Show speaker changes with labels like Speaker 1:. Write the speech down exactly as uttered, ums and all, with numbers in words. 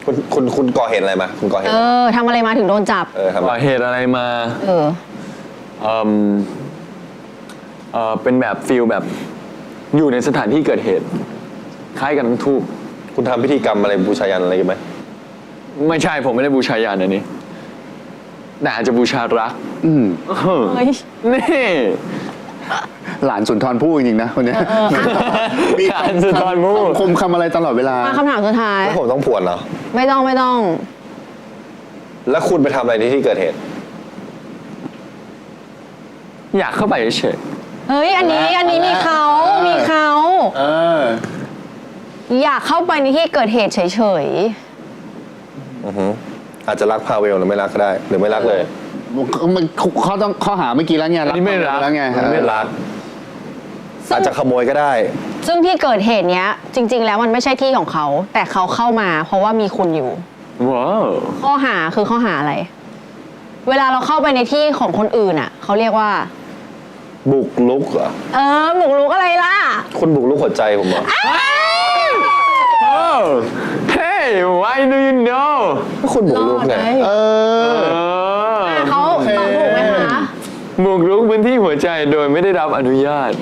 Speaker 1: คุณคุณคุณก่อเหตุอะไรมาคุณก่อเหตุ
Speaker 2: เออทำอะไรมาถึงโดนจับ
Speaker 1: เออทำไม
Speaker 3: ก่อเหตุอะไรมา
Speaker 2: เออ
Speaker 3: เออเออเป็นแบบฟิลแบบอยู่ในสถานที่เกิดเหตุ คล้ายกันทั้งทูบ
Speaker 1: คุณทำพิธีกรรมอะไรบูชายันอะไรกันไหม
Speaker 3: ไม่ใช่ผมไม่ได้บูชายันอันนี้แต่อาจจะบูชารัก
Speaker 4: อืม
Speaker 3: เออ
Speaker 2: เฮ้ย
Speaker 3: นี่
Speaker 4: หลานสุนทรภู่จริงๆนะคนเนี้ย มี
Speaker 3: การสุนทรภู่
Speaker 4: คมคำอะไรตลอดเวลา
Speaker 2: มาคำถามสุดท้าย
Speaker 1: แล้วผมต้องผวนเหรอ
Speaker 2: ไม่ต้องไม่ต้อง
Speaker 1: แล้วคุณไปทำอะไรในที่เกิดเหตุ
Speaker 3: อยากเข้าไปเฉย
Speaker 2: เฮ้ย อันนี้อันนี้มีเขา
Speaker 4: เออ
Speaker 2: มีเขา
Speaker 4: เออ
Speaker 2: อยากเข้าไปในที่เกิดเหตุเฉย
Speaker 1: อือหืออาจจะรักพาเวลหรือไม่รักก็ได้ หรือไม่รักเลย
Speaker 4: มันเขาต้องข้อหาเมื่อกี้แล้วไง
Speaker 3: อันนี้ไม่รัก
Speaker 4: แล้วไง
Speaker 1: มันไม่รัก
Speaker 2: ๆซึ่
Speaker 1: อาง จจะขโมยก็ได้
Speaker 2: ซึ่งที่เกิดเหตุเนี้ย จริง ๆ แล้วมันไม่ใช่ที่ของเขา แต่เขาเข้ามา เพราะว่ามีคุณอยู่
Speaker 3: ว้าว
Speaker 2: ข้อหาคือข้อหาอะไร เวลาเราเข้าไปในที่ของคนอื่นอ่ะเขาเรียกว่า
Speaker 1: บุกลุกเหรอ
Speaker 2: เออบุกรุกอะไรล่ะ
Speaker 1: คุณบุกลุกหัวใจผมเหรอ
Speaker 3: โอ้ hey why do you know
Speaker 1: ก็คุณบุกลุกไง
Speaker 4: เออ
Speaker 3: เออ
Speaker 2: เขาตอบถูกไหมคะ
Speaker 3: บุกรุกพื้นที่หัวใจโดยไม่ได้รับอนุญาต